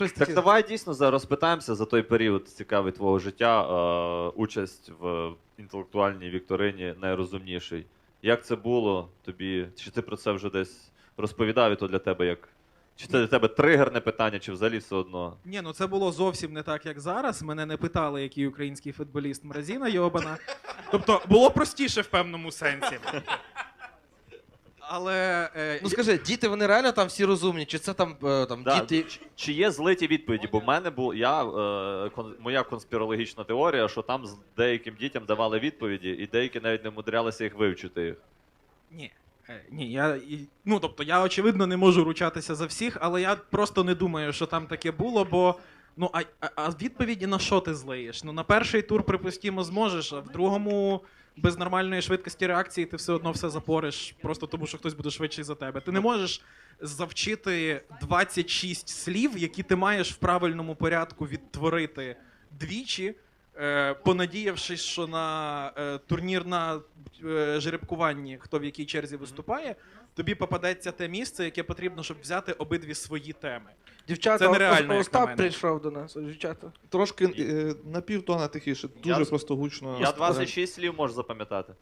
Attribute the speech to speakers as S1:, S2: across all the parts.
S1: Так давай дійсно зараз розпитаємося за той період цікавий твого життя, участь в інтелектуальній вікторині найрозумніший. Як це було тобі? Чи ти про це вже десь розповідав, і то для тебе як? Чи це для тебе тригерне питання, чи взагалі все одно?
S2: Ні, ну це було зовсім не так, як зараз. Мене не питали, який український футболіст Мразіна йобана. Тобто було простіше в певному сенсі. Але
S3: Ну скажи, діти вони реально там всі розумні, чи це там,
S1: Да.
S3: діти.
S1: Чи є злиті відповіді? Бо в мене моя конспірологічна теорія, що там з деяким дітям давали відповіді, і деякі навіть не вмудрялися їх вивчити їх.
S2: ні. Ні, ну тобто я очевидно не можу ручатися за всіх, але я просто не думаю, що там таке було, бо ну а відповіді на що ти злиєш? Ну на перший тур, припустимо, зможеш, а в другому без нормальної швидкості реакції ти все одно все запориш, просто тому що хтось буде швидший за тебе. Ти не можеш завчити 26 слів, які ти маєш в правильному порядку відтворити двічі, понадіявшись, що на турнір на жеребкуванні, хто в якій черзі виступає, тобі попадеться те місце, яке потрібно, щоб взяти обидві свої теми.
S3: Дівчата,
S2: Це нереально, як на
S3: Остап
S2: мене.
S3: прийшов до нас, дівчата.
S4: Трошки на півтона тихіше, дуже просто гучно.
S1: Я 26 слів можу запам'ятати.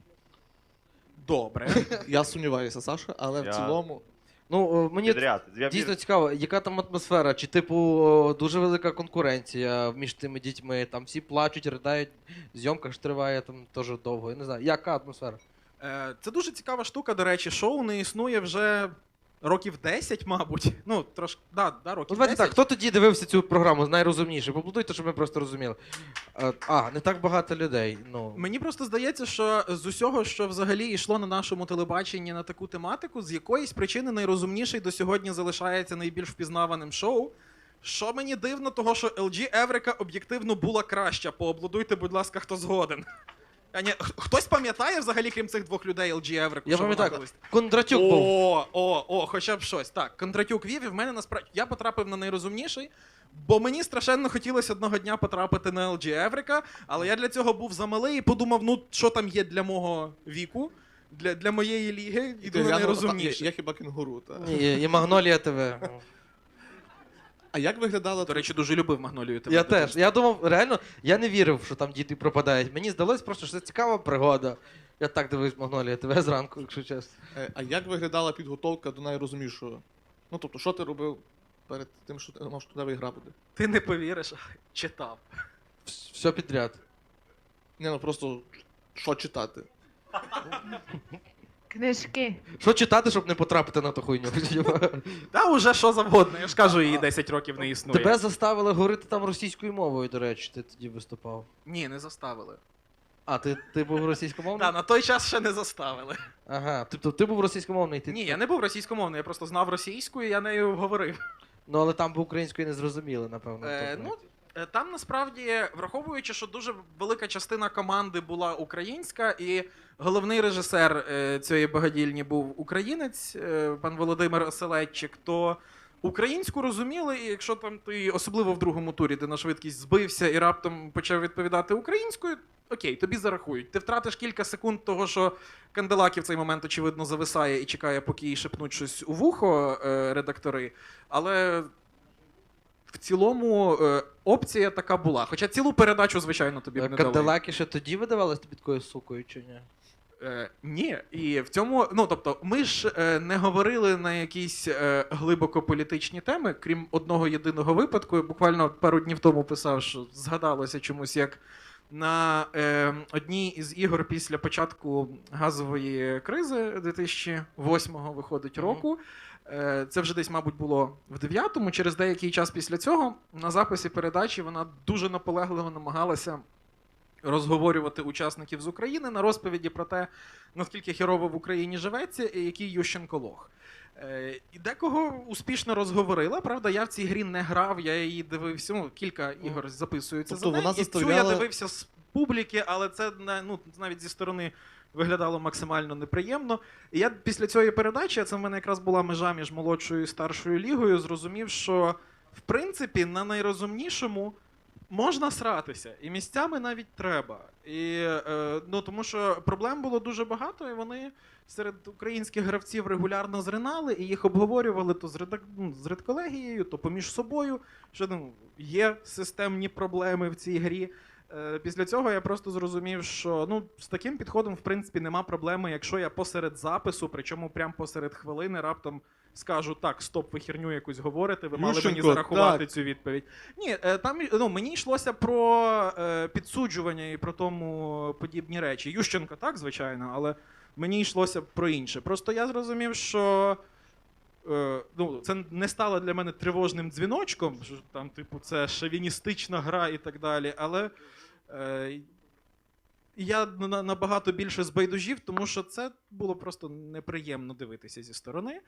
S2: Добре.
S4: Я сумніваюся, Саша, але в цілому.
S3: Ну, мені
S1: Підряд. Я
S3: дійсно
S1: вір-
S3: цікаво, яка там атмосфера? Чи, типу, дуже велика конкуренція між тими дітьми, там всі плачуть, riдають, зйомка ж триває там теж довго. Я не знаю, яка атмосфера?
S2: Це дуже цікава штука, до речі, шоу не існує вже років 10, мабуть. Ну, трошки, да,
S3: Ну,
S2: років
S3: давайте
S2: 10.
S3: так, хто тоді дивився цю програму найрозумніше? Поплутуйте, щоб ми просто розуміли. Не так багато людей. Ну.
S2: Мені просто здається, що з усього, що взагалі йшло на нашому телебаченні на таку тематику, з якоїсь причини найрозумніший до сьогодні залишається найбільш впізнаваним шоу. Що мені дивно, того, що LG Еврика об'єктивно була краща. Поаплодуйте, будь ласка, хто згоден. А ні, хтось пам'ятає взагалі, крім цих двох людей, LG Еврику?
S3: Я
S2: що вона
S3: пам'ятаю,
S2: колись?
S3: Кондратюк був.
S2: Хоча б щось. Так, Кондратюк вів, і в мене насправді я потрапив на найрозумніший, бо мені страшенно хотілося одного дня потрапити на LG Еврика, але я для цього був замалий і подумав, ну що там є для мого віку, для моєї ліги, іду на найрозумніший.
S4: Я хіба кінгуру, так.
S3: Ні, і Магнолія ТВ.
S4: А як виглядала
S2: До речі, дуже любив Магнолію ТВ.
S3: Я теж. Я думав, реально, я не вірив, що там діти пропадають. Мені здалось просто, що це цікава пригода. Я так дивився Магнолія ТВ зранку, якщо чесно.
S4: А як виглядала підготовка до найрозумнішого? Ну, тобто, що ти робив перед тим, що ти думав, що туди гра буде?
S2: Ти не повіриш, читав.
S3: Все підряд.
S4: Ні, ну просто що читати?
S5: Книжки.
S3: Що читати, щоб не потрапити на ту хуйню?
S2: Та уже що завгодно, я ж кажу, її 10 років не існує.
S3: Тебе заставили говорити там російською мовою, до речі, ти тоді виступав.
S2: Ні, не заставили.
S3: А, ти був російськомовний?
S2: Так, на той час ще не заставили.
S3: Ага, тобто ти був російськомовний? Ти...
S2: Ні, я не був російськомовний, я просто знав російську і я нею говорив.
S3: Ну, але там би українською не зрозуміли, напевно. тобто.
S2: Там насправді, враховуючи, що дуже велика частина команди була українська, і головний режисер цієї багадільні був українець, пан Володимир Оселедчик, то українську розуміли, і якщо там ти, особливо в другому турі, ти на швидкість збився і раптом почав відповідати українською, окей, тобі зарахують. Ти втратиш кілька секунд того, що Канделакі в цей момент, очевидно, зависає і чекає, поки їй шепнуть щось у вухо редактори, але в цілому опція така була. Хоча цілу передачу, звичайно, тобі б не дали.
S3: Кадилаки ще тоді видавались тобі такою сукою, чи ні?
S2: Ні, і в цьому, ну тобто, ми ж не говорили на якісь глибоко політичні теми, крім одного єдиного випадку. Я буквально пару днів тому писав, що згадалося чомусь, як на одній із ігор після початку газової кризи 2008-го виходить року. Це вже десь, мабуть, було в 9-му. Через деякий час після цього на записі передачі вона дуже наполегливо намагалася розговорювати учасників з України на розповіді про те, наскільки хірово в Україні живеться і який Ющенко лох. І декого успішно розговорила. Правда, я в цій грі не грав, я її дивився, ну, кілька ігор записуються
S4: Тобто
S2: за неї.
S4: вона
S2: І цю я
S4: заставляла-
S2: дивився з публіки, але це навіть зі сторони виглядало максимально неприємно. І я після цієї передачі, а це в мене якраз була межа між молодшою і старшою лігою, зрозумів, що в принципі на найрозумнішому Можна сратися, і місцями навіть треба. І, ну, тому що проблем було дуже багато, і вони серед українських гравців регулярно зринали, і їх обговорювали то з редколегією, то поміж собою, що ну, є системні проблеми в цій грі. Після цього я просто зрозумів, що ну, з таким підходом, в принципі, нема проблеми, якщо я посеред запису, причому прямо посеред хвилини, раптом скажу, так, стоп, ви херню якусь говорите, ви мали мені
S4: Ющенко,
S2: зарахувати
S4: так.
S2: цю відповідь. Ні, там ну, мені йшлося про підсуджування і про тому подібні речі. Ющенко, так, звичайно, але мені йшлося про інше. Просто я зрозумів, що ну, це не стало для мене тривожним дзвіночком, що там, типу, це шовіністична гра і так далі, але я набагато більше збайдужів, тому що це було просто неприємно дивитися зі сторони.